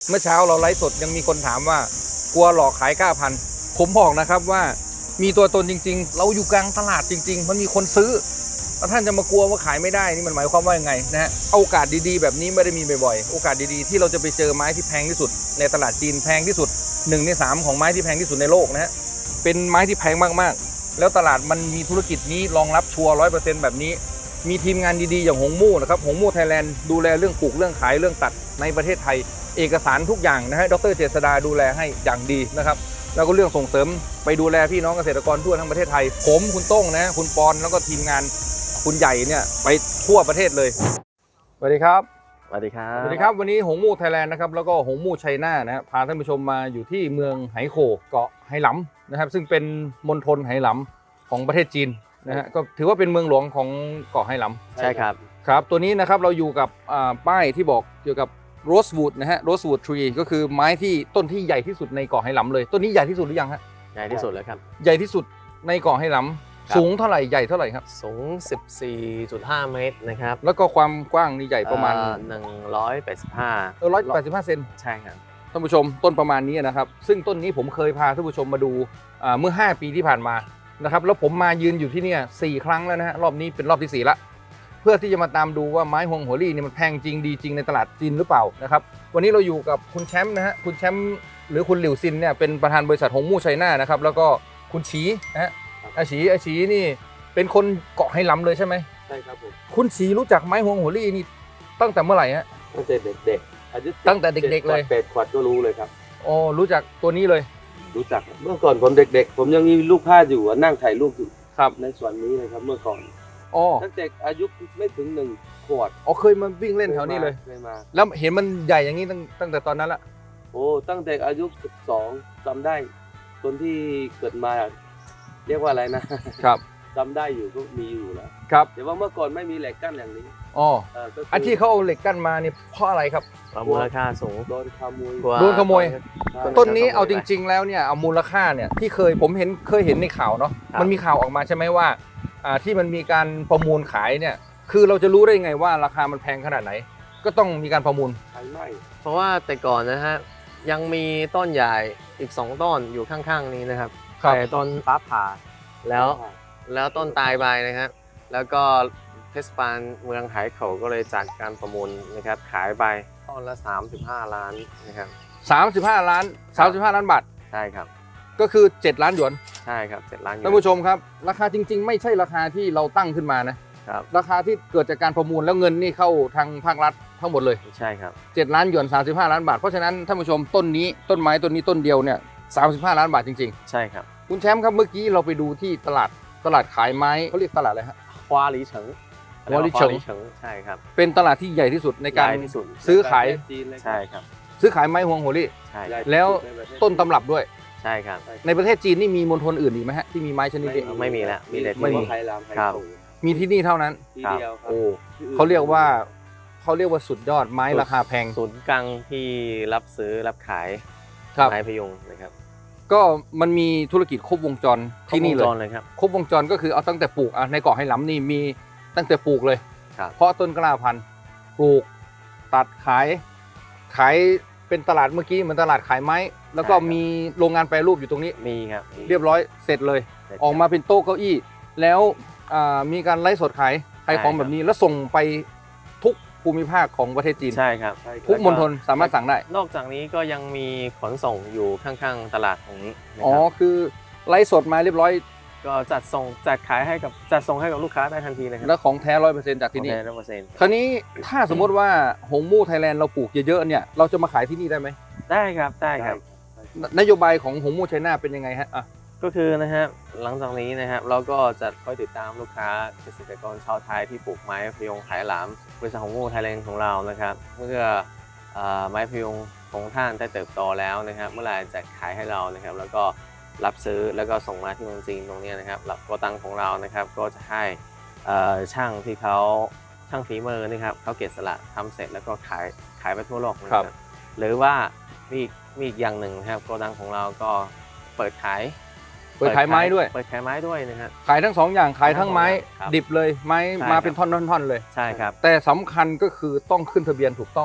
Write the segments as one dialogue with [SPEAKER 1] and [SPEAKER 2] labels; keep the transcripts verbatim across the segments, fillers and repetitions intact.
[SPEAKER 1] เมื่อเช้าเราไลฟ์สดยังมีคนถามว่ากลัวหลอกขายเก้าพันผมบอกนะครับว่ามีตัวตนจริงๆเราอยู่กลางตลาดจริงๆมันมีคนซื้อแล้วท่านจะมากลัวว่าขายไม่ได้นี่มันหมายความว่ายังไงนะฮะโอกาสดีๆแบบนี้ไม่ได้มีบ่อยๆโอกาสดีๆที่เราจะไปเจอไม้ที่แพงที่สุดในตลาดจีนแพงที่สุดหนึ่งในสามของไม้ที่แพงที่สุดในโลกนะฮะเป็นไม้ที่แพงมากๆแล้วตลาดมันมีธุรกิจนี้รองรับชัวร์ร้อยเปอร์เซ็นต์แบบนี้มีทีมงานดีๆอย่างหงมู่นะครับหงมู่ไทยแลนด์ดูแลเรื่องปลูกเรื่องขายเรื่องตัดในประเทศไทยเอกสารทุกอย่างนะฮะดร.เจษฎาดูแลให้อย่างดีนะครับแล้วก็เรื่องส่งเสริมไปดูแลพี่น้องเกษตรกรทั่วทั้งประเทศไทยผมคุณโต้งนะคุณปอนแล้วก็ทีมงานคุณใหญ่เนี่ยไปทั่วประเทศเลยสวัสดีครับ
[SPEAKER 2] สวัสดีครับ
[SPEAKER 1] สวัสดีครับวันนี้หงมู่ไทยแลนด์นะครับแล้วก็หงมู่ไชน่านะฮะพาท่านผู้ชมมาอยู่ที่เมืองไหโขเกาะไหหลำนะครับซึ่งเป็นมณฑลไหหลำของประเทศจีนนะฮะก็ถือว่าเป็นเมืองหลวงของเกาะไหหลำ
[SPEAKER 2] ใช่ครับ
[SPEAKER 1] ครับตัวนี้นะครับเราอยู่กับป้ายที่บอกเกี่ยวกับโรสวูดนะฮะโรสวูดทรีก็คือไม้ที่ต้นที่ใหญ่ที่สุดในเกาะไหหลำเลยต้นนี้ใหญ่ที่สุดหรือยังฮะ
[SPEAKER 2] ใหญ่ที่สุดเลยครับ
[SPEAKER 1] ใหญ่ที่สุดในเกาะไหหลำสูงเท่าไหร่ใหญ่เท่าไหร่ครับ
[SPEAKER 2] สูง สิบสี่จุดห้า เมตรนะครับ
[SPEAKER 1] แล้วก็ความกว้างนี่ใหญ่ประมาณ
[SPEAKER 2] หนึ่งร้อยแปดสิบห้า
[SPEAKER 1] เออร้อยแปดสิบห้าเซน
[SPEAKER 2] ใช่ครับ
[SPEAKER 1] ท่านผู้ชมต้นประมาณนี้นะครับซึ่งต้นนี้ผมเคยพาท่านผู้ชมมาดูเมื่อห้าปีที่ผ่านมานะครับแล้วผมมายืนอยู่ที่นี่สี่ครั้งแล้วนะฮะรอบนี้เป็นรอบที่สี่ละเพื่อที่จะมาตามดูว่าไม้ฮวงหัวลี่นี่มันแพงจริงดีจริงในตลาดจีนหรือเปล่านะครับวันนี้เราอยู่กับคุณแชมป์นะฮะคุณแชมป์หรือคุณหลิวซินเนี่ยเป็นประธานบริษัทหงมู่ไชน่านะครับแล้วก็คุณฉีนะฮะอาฉีอาฉีนี่เป็นคนเกาะไหหลำเลยใช่ไหม
[SPEAKER 3] ใช่ครับผม
[SPEAKER 1] คุณฉีรู้จักไม้ฮวงหัวลี่นี่ตั้งแต่เมื่อไหร่ฮะ
[SPEAKER 3] ตั้งแต่เด็กๆอายุ
[SPEAKER 1] ตั้งแต่เด็กๆเลย
[SPEAKER 3] แปดขวบก็รู้เลยครับ
[SPEAKER 1] อ๋อรู้จักตัวนี้เลย
[SPEAKER 3] รู้จักเมื่อก่อนผมเด็กๆผมยังมีรูปภาพอยู่นั่งถ่ายรูปอยู่
[SPEAKER 1] ครับ
[SPEAKER 3] ในส่วนนี้เลยครับเมื่อก่อน
[SPEAKER 1] อ๋อ
[SPEAKER 3] ตั้งแต่อายุไม่ถึงหนึ่งขวบ
[SPEAKER 1] อ๋อเคยมาวิ่งเล่นแถวนี้เลย
[SPEAKER 3] เคยมา
[SPEAKER 1] แล้วเห็นมันใหญ่อย่างนี้ตั้งตั้งแต่ตอนนั้นละ
[SPEAKER 3] โอ้ตั้งแต่อายุสิบสองจำได้ตอนที่เกิดมาเรียกว่าอะไรนะครับจำได้อยู่ก็มีอยู่แล้ว
[SPEAKER 1] ครับ
[SPEAKER 3] แต่ว่าเมื่อก่อนไม่มีเหล็กกั้นอย่างนี้
[SPEAKER 1] อ๋ออันที่เขาเอาเหล็กกั้นมานี่เพราะอะไรครับ
[SPEAKER 2] มูลค่าสูง
[SPEAKER 3] โดนขโมย
[SPEAKER 1] โดนขโมยต้นนี้เอาจริงๆแล้วเนี่ยเอามูลค่าเนี่ยที่เคยผมเห็นเคยเห็นในข่าวเนาะมันมีข่าวออกมาใช่ไหมว่าอ่าที่มันมีการประมูลขายเนี่ยคือเราจะรู้ได้ไงว่าราคามันแพงขนาดไหนก็ต้องมีการประมูล
[SPEAKER 3] ใช่ไหม
[SPEAKER 2] เพราะว่าแต่ก่อนนะฮะยังมีต้นใหญ่อีกสองต้นอยู่ข้างๆนี้นะครับแต่ต้นฟ้าผ่าแล้วแล้วต้นตายไปนะครับแล้วก็เทศบาลเมืองไหโขก็เลยจัดการประมูลนะครับขายไปต้นละสามสิบห้าล้านนะครับ
[SPEAKER 1] สามสิบห้าล้านสามสิบห้าล้านบาท
[SPEAKER 2] ใช่ครับ
[SPEAKER 1] ก็คือเจ็ดล้านหยวน
[SPEAKER 2] ใช่ครับเจ็ดล้านหยวน
[SPEAKER 1] ท่านผู้ชมครับราคาจริงๆไม่ใช่ราคาที่เราตั้งขึ้นมานะครับราคาที่เกิดจากการประมูลแล้วเงินนี่เข้าทางภาครัฐทั้งหมดเลย
[SPEAKER 2] ใช่ครับ
[SPEAKER 1] เจ็ดล้านหยวนสามสิบห้าล้านบาทเพราะฉะนั้นท่านผู้ชมต้นนี้ต้นไม้ต้นนี้ต้นเดียวเนี่ยสามสิบห้าล้านบาทจริง
[SPEAKER 2] ๆใช่ครับ
[SPEAKER 1] คุณแชมป์ครับเมื่อกี้เราไปดูที่ตลาดตลาดขายไม้เขาเรียกตลาดอะไรฮะ
[SPEAKER 2] ฮวาลีเฉิง
[SPEAKER 1] ฮวาลีเฉิง
[SPEAKER 2] ใช่ครับ
[SPEAKER 1] เป็นตลาดที่ใหญ่ที่สุดในการซื้อขาย
[SPEAKER 2] ใช่ครับ
[SPEAKER 1] ซื้อขายไม้ฮวงหัวลี่
[SPEAKER 2] ใช่
[SPEAKER 1] แล้วต้นตำรับด้วย
[SPEAKER 2] ใช่ครับ
[SPEAKER 1] ในประเทศจีนนี่มีมณฑลอื่นอีกไหมฮะที่มีไม้ชนิดนี้
[SPEAKER 2] ไม่มีแล้วมีแต่
[SPEAKER 3] ที่ไหหลำ
[SPEAKER 2] ครับ
[SPEAKER 1] มีที่นี่เท่านั้นโอ้เขาเรียกว่าเขาเรียกว่าสุดยอดไม้ราคาแพง
[SPEAKER 2] ศูนย์กลางที่รับซื้อรับขายไม้พยุงนะครับ
[SPEAKER 1] ก็มันมีธุรกิจครบวงจรที่นี่
[SPEAKER 2] เลยครับ
[SPEAKER 1] ครบวงจรก็คือเอาตั้งแต่ปลูกในเกาะไหหลำนี่มีตั้งแต่ปลูกเลยเพราะต้นกล้าพันธุ์ปลูกตัดขายขายเป็นตลาดเมื่อกี้เหมือนตลาดขายไม้แล้วก็มีโรงงานแปรรูปอยู่ตรงนี้
[SPEAKER 2] มีครับ
[SPEAKER 1] เรียบร้อยเสร็จเลยออกมาเป็นโต๊ะเก้าอี้แล้วมีการไลฟ์สดขายขายของแบบนี้แล้วส่งไปทุกภูมิภาคของประเทศจีน
[SPEAKER 2] ใช่ครับ
[SPEAKER 1] ทุกมณฑลสามารถสั่งได้
[SPEAKER 2] นอกจากนี้ก็ยังมีขนส่งอยู่ข้างๆตลาดตรงนี้
[SPEAKER 1] อ๋อคือไลฟ์สดมาเรียบร้อย
[SPEAKER 2] ก็จัดส่งจัดขายให้กับจัดส่งให้กับลูกค้าได้ทันทีเลยครับ
[SPEAKER 1] แล้วของแท้ร้อยเปอร์เซ็นต์จากที่นี่
[SPEAKER 2] ร้อยเปอร์เซ็นต์
[SPEAKER 1] คราวนี้ถ้าสมมติว่าหงมู่ไทยแลนด์เราปลูกเยอะๆเนี่ยเราจะมาขายที่นี่ได้ไหม
[SPEAKER 2] ได้ครับได้ครับ
[SPEAKER 1] นโยบายของหงมู่ไชน่าเป็นยังไงฮะอ่ะ
[SPEAKER 2] ก็คือนะฮะหลังจากนี้นะครับเราก็จะคอยติดตามลูกค้าเกษตรกรชาวไทยที่ปลูกไม้พยุงไหหลำบริษัทหงมู่ไทยแลนด์ของเรานะครับเมื่อไม้พยุงของท่านได้เติบโตแล้วนะครับเมื่อไหร่จะขายให้เรานะครับแล้วก็รับซื้อแล้วก็ส่งมาที่เมืองจีนตรงนี้นะครับหลักโกตังของเรานะครับก็จะให้ช่างที่เขาช่างฝีมือนะครับเขาเก็บสลักทำเสร็จแล้วก็ขายขายไปทั่วโลกนะครับหรือว่ามีมีอีกอย่างหนึ่งครับโกดังของเราก็เปิดขาย
[SPEAKER 1] เปิดขายไม้ด้วย
[SPEAKER 2] เปิดขายไม้ด้วยนะครับ
[SPEAKER 1] ขายทั้งสองอย่างขายทั้งไม้ดิบเลยไม้มาเป็นท่อนๆๆเลย
[SPEAKER 2] ใช่ครับ
[SPEAKER 1] แต่สำคัญก็คือต้องขึ้นทะเบียนถูกต้อง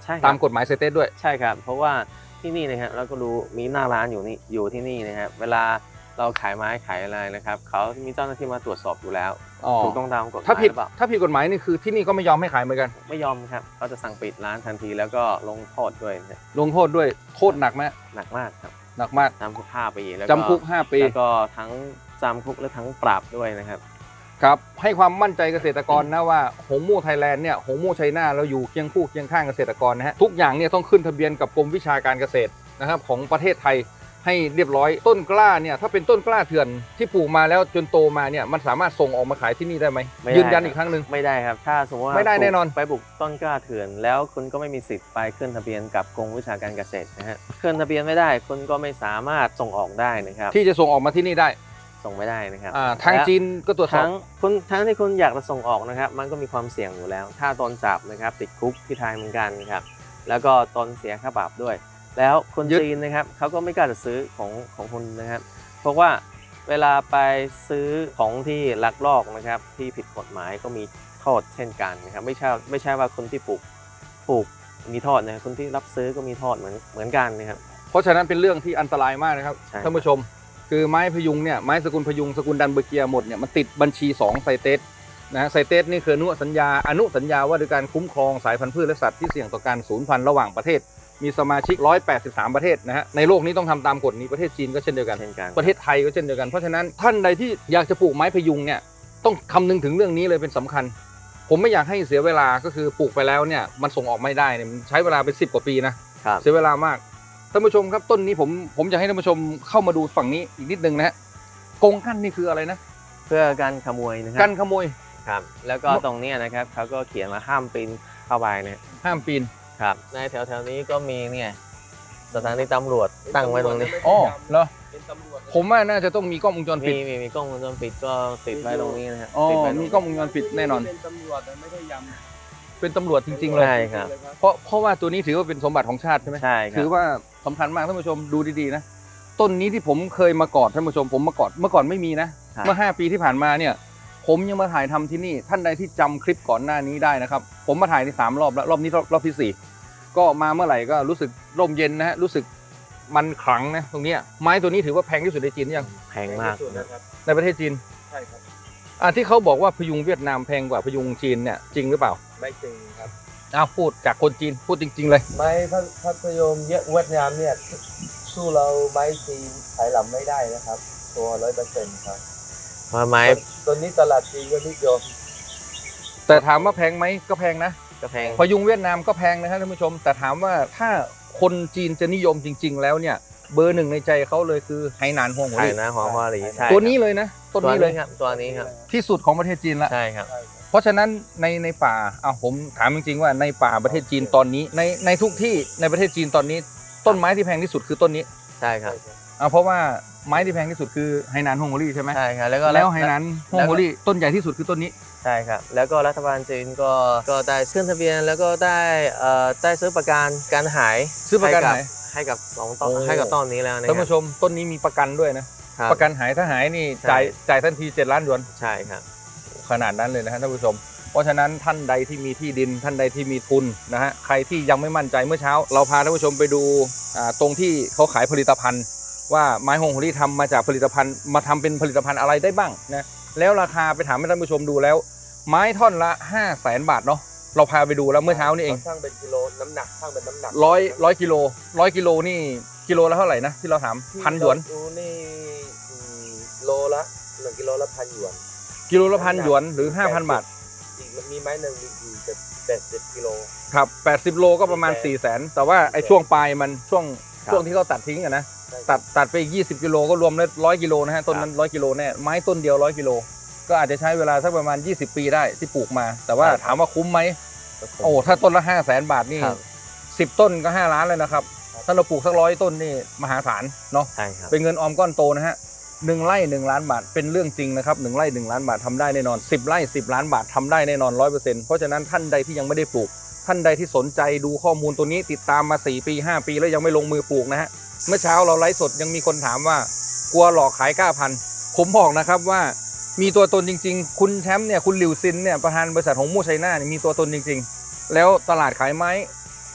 [SPEAKER 2] ใช่ครับ
[SPEAKER 1] ตามกฎหมายเซเตสด้วย
[SPEAKER 2] ใช่ครับเพราะว่าที่นี่นะครับเราก็รู้มีหน้าร้านอยู่นี่อยู่ที่นี่นะครับเวลาเราขายไม้ขายอะไรนะครับเขามีเจ้าหน้าที่มาตรวจสอบอยู่แล้ว
[SPEAKER 1] อ๋อ
[SPEAKER 2] ถูกต้องตามกฎหมาย
[SPEAKER 1] ถ้าผิด
[SPEAKER 2] หรือเปล่า
[SPEAKER 1] ถ้าผิดกฎหมายนี่คือที่นี่ก็ไม่ยอมให้ขายเหมือนกัน
[SPEAKER 2] ไม่ยอมครับเขาจะสั่งปิดร้านทันทีแล้วก็ลงโทษด้วยนะ
[SPEAKER 1] ลงโทษด้วยโทษหนักไหม
[SPEAKER 2] หนักมากครับ
[SPEAKER 1] หนักมาก
[SPEAKER 2] จำคุกห้าปีแล้ว
[SPEAKER 1] จำคุกห้าปี
[SPEAKER 2] แล้วก็ทั้งจำคุกและทั้งปรับด้วยนะครับ
[SPEAKER 1] ครับให้ความมั่นใจเกษตรกรนะว่าหงมู่ไทยแลนด์เนี่ยหงมู่ไชน่าเราอยู่เคียงคู่เคียงข้างเกษตรกรนะฮะทุกอย่างเนี่ยต้องขึ้นทะเบียนกับกรมวิชาการเกษตรนะครับของประเทศไทยให้เรียบร้อยต้นกล้าเนี่ยถ้าเป็นต้นกล้าเถื่อนที่ปลูกมาแล้วจนโตมาเนี่ยมันสามารถส่งออกมาขายที่นี่ได้ไหม
[SPEAKER 2] ไม่ได้
[SPEAKER 1] ยืนยันอีกครั้งหนึ่ง
[SPEAKER 2] ไม่ได้ครับถ้าสมมติว่า
[SPEAKER 1] ไม่ได้แน่นอน
[SPEAKER 2] ไปปลูกต้นกล้าเถื่อน แล้วคุณก็ไม่มีสิทธิ์ไปขึ้นทะเบียนกับกรมวิชาการเกษตรนะฮะขึ้นทะเบียนไม่ได้คุณก็ไม่สามารถส่งออกได้นะครับ
[SPEAKER 1] ที่จะส่งออกมาที่นี่ได้
[SPEAKER 2] ส่งไม่ได้นะครับ
[SPEAKER 1] อ่าทาง
[SPEAKER 2] และ
[SPEAKER 1] จีนก็ตรวจสอบ
[SPEAKER 2] ทั้งคุณทั้งที่คุณอยากจะส่งออกนะครับมันก็มีความเสี่ยงอยู่แล้ว ถ้าตอนจับนะครับติดคุกที่ไทยเหมือนกันครับแล้วก็ตอนเสียค่าปรับด้วย แล้วคน
[SPEAKER 1] ยึด
[SPEAKER 2] จีนนะครับเขาก็ไม่กล้าจะซื้อของของคุณนะครับ เพราะว่าเวลาไปซื้อของที่ลักลอบนะครับที่ผิดกฎหมายก็มีโทษเช่นกันนะครับไม่ใช่ไม่ใช่ว่าคนที่ปลูกปลูกมีโทษนะครับคนที่รับซื้อก็มีโทษเหมือนเหมือนกันนะครับ
[SPEAKER 1] เพราะฉะนั้นเป็นเรื่องที่อันตรายมากนะครับ
[SPEAKER 2] ใช่
[SPEAKER 1] ท่านผู้ชม คือไม้พยุงเนี่ยไม้สกุลพยุงสกุลดันเบอร์เกียหมดเนี่ยมันติดบัญชีสองไซเตสนะฮะไซเตสนี่คืออนุสัญญาอนุสัญญาว่าด้วยการคุ้มครองสายพันธุ์พืชและสัตว์ที่เสี่ยงต่อการสูญพันธุ์ระหว่างประเทศ มีสมาชิกหนึ่งร้อยแปดสิบสามประเทศนะฮะในโลกนี้ต้องทำตามกฎนี้ประเทศจีนก็เช่นเดียวกัน
[SPEAKER 2] เช่นกัน
[SPEAKER 1] ประเทศไทยก็เช่นเดียวกันเพราะฉะนั้นท่านใดที่อยากจะปลูกไม้พยุงเนี่ยต้องคำนึงถึงเรื่องนี้เลยเป็นสำคัญ ผมไม่อยากให้เสียเวลาก็คือปลูกไปแล้วเนี่ยมันส่งออกไม่ได้เนี่ยมันใช้เวลาเป็นสิบกว่าปีนะครับ เสียเวลามากท่านผู้ชมครับต้นนี้ผมผมจะให้ท่านผู้ชมเข้ามาดูฝั่งนี้อีกนิดนึงนะฮะกรงกั้นนี่คืออะไรนะ
[SPEAKER 2] เพื่อการขโมยนะครั
[SPEAKER 1] กันขโมย
[SPEAKER 2] ครับแล้วก็ตรงเนี้ยนะครับเขาก็เขียนมาห้ามปีนเข้าไปเนี่ย
[SPEAKER 1] ห้ามปีน
[SPEAKER 2] ครับในแถวๆนี้ก็มีเนี่ยสถานีตำรวจตั้งไว้ตรงนี้
[SPEAKER 1] อ๋อเหรอ
[SPEAKER 3] เป็นตำรวจ
[SPEAKER 1] ผมว่าน่าจะต้องมีกล้องวงจรปิ
[SPEAKER 2] มี
[SPEAKER 1] ด
[SPEAKER 2] มีมีกล้องวงจรปิดก็ติดไว้ตรงนี้นะครับ
[SPEAKER 1] อ๋อ
[SPEAKER 2] ติดไว้ตรง
[SPEAKER 1] มี
[SPEAKER 2] นี้
[SPEAKER 1] กล้องวงจรปิดแน่นอน
[SPEAKER 3] เป็นตำรวจแต่ไม่ได้ยำ
[SPEAKER 1] เป็นตำรวจจริงๆเลย
[SPEAKER 2] ใช่ครับ
[SPEAKER 1] เพราะเพราะว่าตัวนี้ถือว่าเป็นสมบัติของชาติใช่ไหม
[SPEAKER 2] ใช่ครั
[SPEAKER 1] ถื
[SPEAKER 2] บ
[SPEAKER 1] อว่าสำคัญมากท่านผู้ชมดูดีๆนะต้นนี้ที่ผมเคยมากอดท่านผู้ชมผมมากอดเมื่อก่อนไม่มีนะ
[SPEAKER 2] ครับ
[SPEAKER 1] เมื่อห้าปีที่ผ่านมาเนี่ยผมยังมาถ่ายทำที่นี่ท่านใดที่จำคลิปก่อนหน้านี้ได้นะครับผมมาถ่ายในสามรอบแล้วรอบนี้รอบรอบที่สี่ก็มาเมื่อไหร่ก็รู้สึกร่มเย็นนะฮะรู้สึกมันขลังนะตรงเนี้ยไม้ตัวนี้ถือว่าแพงที่สุดในจีนหรือยัง
[SPEAKER 2] แพงมาก
[SPEAKER 3] สุด
[SPEAKER 2] นะ
[SPEAKER 3] นะครับ
[SPEAKER 1] ในประเทศจีน
[SPEAKER 3] ใช่ครับ
[SPEAKER 1] อ่าที่เขาบอกว่าพยุงเวียดนามแพงกว่าพยุงจีนเนี่ยจริงหรือเปล่า
[SPEAKER 3] ไม่จริงครับ
[SPEAKER 1] อ้าวพูดจากคนจีนพูดจริง ๆเลย
[SPEAKER 3] ไม้พัพัทยมเยอะเวียดนามเนี่ยสู้เราไม้จีนขายหลำไม่ได้นะครับ ตัวร้อยเปอร์เซ็นต์ครับ
[SPEAKER 2] เพราะไม้
[SPEAKER 3] ตัวนี้ตลาดจีนก็นิยม
[SPEAKER 1] แต่ถามว่าแพงไหมก็แพงนะ
[SPEAKER 2] ก็แพง
[SPEAKER 1] พยุงเวียดนามก็แพงนะครับท่านผู้ชม แต่ถามว่าถ้าคนจีนจะนิยมจริง ๆ แล้วเนี่ยเบอร์หนึ่งในใจเขาเลยคือไหหนานฮวงหัว
[SPEAKER 2] ไข่
[SPEAKER 1] หลี
[SPEAKER 2] นะหอมหัวหลีใช่
[SPEAKER 1] ตัวนี้เลยนะต้น
[SPEAKER 2] ตัว
[SPEAKER 1] นี้เลย
[SPEAKER 2] นี้ครับตัวนี้ครับ
[SPEAKER 1] ที่สุดของประเทศจีนละ
[SPEAKER 2] ใช่ครับ
[SPEAKER 3] ใช่ครับ
[SPEAKER 1] เพราะฉะนั้นในในป่าอ่ะผมถามจริงๆว่าในป่าประเทศจีนตอนนี้ในในทุกที่ในประเทศจีนตอนนี้ ต้นไม้ที่แพงที่สุดคือต้นนี้
[SPEAKER 2] ใช่ครับ
[SPEAKER 1] อ่ะเพราะว่าไม้ที่แพงที่สุดคือไหหนานฮวงหัวหลีใช่ไหม
[SPEAKER 2] ใช่ครับแล้วก็
[SPEAKER 1] แล้วไหหนานฮวงหัวหลีต้นใหญ่ที่สุดคือต้นนี้
[SPEAKER 2] ใช่ครับแล้วก็รัฐบาลจีนก็ก็ได้ขึ้นทะเบียนแล้วก็ได้เอ่อได้ซื้อประกันการหาย
[SPEAKER 1] ซื้อประกันหาย
[SPEAKER 2] ให้กับสองต้น
[SPEAKER 1] โอ้
[SPEAKER 2] ให้กับต้นนี้แล้วนะ
[SPEAKER 1] ท่าน
[SPEAKER 2] ครั
[SPEAKER 1] ผู้ชมต้นนี้มีประกันด้วยนะ
[SPEAKER 2] ครับ
[SPEAKER 1] ประกันหายถ้าหายนี่
[SPEAKER 2] ใช่
[SPEAKER 1] จ่ายจ่ายทันทีเจ็ดล้านหยวน
[SPEAKER 2] ใช่ครับ
[SPEAKER 1] ขนาดนั้นเลยนะฮะท่านผู้ชม เพราะฉะนั้นท่านใดที่มีที่ดินท่านใดที่มีทุนนะฮะใครที่ยังไม่มั่นใจเมื่อเช้า เราพาท่านผู้ชมไปดูอ่าตรงที่เขาขายผลิตภัณฑ์ ว่าไม้ฮงโฮลี่ทำมาจากผลิตภัณฑ์มาทำเป็นผลิตภัณฑ์อะไรได้บ้างนะแล้วราคาไปถามให้ท่านผู้ชมดูแล้ว ไม้ท่อนละห้าแสนบาทเนาะเราพาไปดูแล้วเมื่อเช้านี่เอง
[SPEAKER 3] ช่างเป็นกิโลน้ำหนักช่างเป็นน้ำหนัก
[SPEAKER 1] ร้อยร้อยกิโลร้อยกิโลนี่กิโลละเท่าไหร่นะที่เราถามพันหยวน
[SPEAKER 3] ดูนี่อืมโลละหนึ่งกิโลละพันหยวน
[SPEAKER 1] กิโลละพันหยวนหรือห้าพันบาท
[SPEAKER 3] อีกมีไม้หนึ่งมีอยู่จะแปดสิบกิโล
[SPEAKER 1] ครับแปดสิบโลก็ประมาณสี่แสนแต่ว่าไอ้ช่วงปลายมันช่วง
[SPEAKER 2] ครับ
[SPEAKER 1] ช่วงที่เขาตัดทิ้งอะนะ
[SPEAKER 3] ใช่ครับ
[SPEAKER 1] ตัดตัดไปอีกยี่สิบกิโลก็รวมแล้วร้อยกิโลนะฮะต้นนั้นร้อยกิโลแน่ไม้ต้นเดียวร้อยกิโลก็อาจจะใช้เวลาสักประมาณยี่สิบปีได้ที่ปลูกมา แต่ว่าถามว่าคุ้มไหมโอ้ถ้าต้นละห้าแสนบาทนี่
[SPEAKER 2] ครับ
[SPEAKER 1] สิบต้นก็ห้าล้านเลยนะครับถ้าเราปลูกสักร้อยต้นนี่มหาศาลเนาะ
[SPEAKER 2] ใช่ครับ
[SPEAKER 1] เป็นเงินออมก้อนโตนะฮะหนึ่งไร่หนึ่งล้านบาทเป็นเรื่องจริงนะครับหนึ่งไร่หนึ่งล้านบาททำได้แน่นอนสิบไร่สิบล้านบาททำได้แน่นอนร้อยเปอร์เซ็นต์เพราะฉะนั้นท่านใดที่ยังไม่ได้ปลูก ท่านใดที่สนใจดูข้อมูลตัวนี้ติดตามมาสี่ปีห้าปีแล้วยังไม่ลงมือปลูกนะฮะเมื่อเช้าเราไลฟ์สดยังมีคนถามว่ากลัวหลอกขายก้าพันผมบอกนะครับว่ามีตัวตนจริงๆคุณแชมป์เนี่ยคุณหลิวซินเนี่ยประธานบริษัทหงมู่ไชน่าเนี่ยมีตัวตนจริงๆแล้วตลาดขายไม้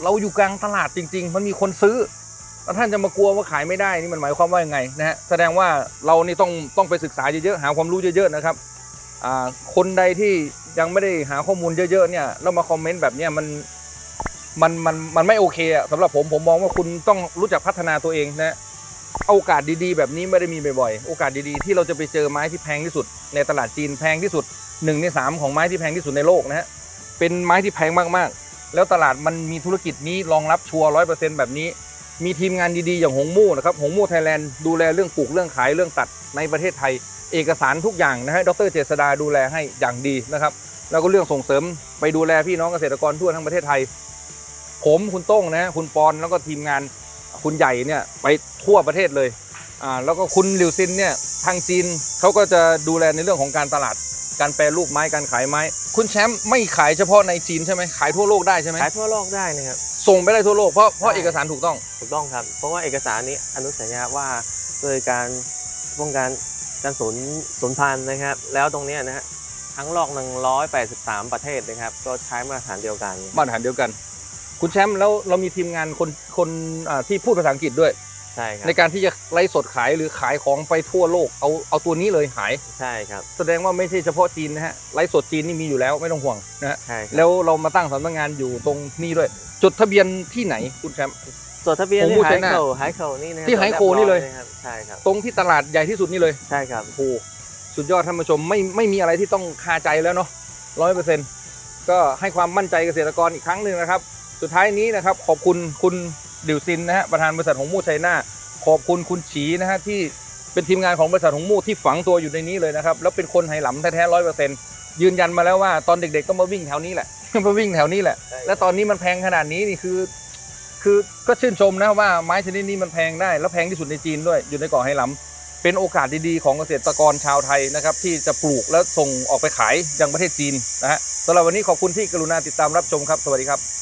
[SPEAKER 1] เราอยู่กลางตลาดจริงๆมันมีคนซื้อแล้วท่านจะมากลัวว่าขายไม่ได้นี่มันหมายความว่ายังไงนะฮะแสดงว่าเรานี่ต้องต้องไปศึกษาเยอะๆหาความรู้เยอะๆนะครับอ่าคนใดที่ยังไม่ได้หาข้อมูลเยอะๆเนี่ยแล้วมาคอมเมนต์แบบเนี้ยมันมันมันมันไม่โอเคอะสำหรับผมผมมองว่าคุณต้องรู้จักพัฒนาตัวเองนะโอกาสดีๆแบบนี้ไม่ได้มีบ่อยๆโอกาสดีๆที่เราจะไปเจอไม้ที่แพงที่สุดในตลาดจีนแพงที่สุดหนึ่งในสามของไม้ที่แพงที่สุดในโลกนะฮะเป็นไม้ที่แพงมากๆแล้วตลาดมันมีธุรกิจนี้รองรับชัวร์ร้อยเปอร์เซ็นต์แบบนี้มีทีมงานดีๆอย่างหงมู่นะครับหงมู่ไทยแลนด์ดูแลเรื่องปลูกเรื่องขายเรื่องตัดในประเทศไทยเอกสารทุกอย่างนะฮะดร.เจษดาดูแลให้อย่างดีนะครับแล้วก็เรื่องส่งเสริมไปดูแลพี่น้องเกษตรกรทั่วทั้งประเทศไทยผมคุณโต้งนะฮะคุณปอนแล้วก็ทีมงานคุณใหญ่เนี่ยไปทั่วประเทศเลยอ่าแล้วก็คุณหลิวซินเนี่ยทางจีนเขาก็จะดูแลในเรื่องของการตลาดการแปรรูปไม้การขายไม้คุณแชมป์ไม่ขายเฉพาะในจีนใช่ไหมขายทั่วโลกได้ใช่ไหม
[SPEAKER 2] ขายทั่วโลกได้นะครับ
[SPEAKER 1] ส่งไปได้ทั่วโลกเพราะเพราะเอกสารถูกต้อง
[SPEAKER 2] ถูกต้องครับเพราะว่าเอกสารนี้อนุสัญญาว่าโดยการป้องกันการสูญสูญพันธุ์นะครับแล้วตรงเนี้ยนะฮะทั้งโลกหนึ่งร้อยแปดสิบสามประเทศนะครับก็ใช้มาตรฐานเดียวกัน
[SPEAKER 1] มาตรฐานเดียวกันคุณแชมป์แล้วเรามีทีมงานคนคนอ่าที่พูดภาษาอังกฤษด้วย
[SPEAKER 2] ใช่ครับ
[SPEAKER 1] ในการที่จะไลฟ์สดขายหรือขายของไปทั่วโลกเอาเอาตัวนี้เลยขาย
[SPEAKER 2] ใช่ครับ
[SPEAKER 1] แสดงว่าไม่ใช่เฉพาะจีนนะฮะไลฟ์สดจีนนี่มีอยู่แล้วไม่ต้องห่วงนะฮะ
[SPEAKER 2] ใช่ครับ
[SPEAKER 1] แล้วเรามาตั้งสำนักงานอยู่ตรงนี้ด้วยจดทะเบียนที่ไหนคุณแชมป์
[SPEAKER 2] จดทะเบียน
[SPEAKER 1] ผม
[SPEAKER 2] ที่
[SPEAKER 1] พูด
[SPEAKER 2] ไฮ
[SPEAKER 1] ใช่ไหม
[SPEAKER 2] โคไฮโคนี่นะ
[SPEAKER 1] ที่ไฮโคนี่เลย
[SPEAKER 2] รีบร้อครับใช่ครับ
[SPEAKER 1] ตรงที่ตลาดใหญ่ที่สุดนี่เลย
[SPEAKER 2] ใช่ครับ
[SPEAKER 1] โอ้โหสุดยอดท่านผู้ชมไม่ไม่มีอะไรที่ต้องคาใจแล้วเนาะร้อยเปอร์เซ็นต์ก็ให้ความมั่นใจเกษตรกรอีกครั้งหนึ่งนะครับสุดท้ายนี้นะครับขอบคุณคุณดิวซินนะฮะประธานบริษัทหงมู่ไชน่าขอบคุณคุณฉีนะฮะที่เป็นทีมงานของบริษัทหงมู่ที่ฝังตัวอยู่ในนี้เลยนะครับแล้วเป็นคนไหหลำแท้ๆร้อยเปอร์เซ็นต์ยืนยันมาแล้วว่าตอนเด็กๆก็มาวิ่งแถวนี้แหละ มาวิ่งแถวนี้แหละและตอนนี้มันแพงขนาดนี้นี่คือ คือก็ชื่นชมนะว่าไม้ชนิดนี้มันแพงได้แล้วแพงที่สุดในจีนด้วยอยู่ในเกาะไหหลำเป็นโอกาสดีๆของเกษตรกรชาวไทยนะครับที่จะปลูกและส่งออกไปขายยังประเทศจีนนะฮะสำหรับวันนี้ขอบคุณที่กรุณาติดตามรับชมครับสวัสดีครับ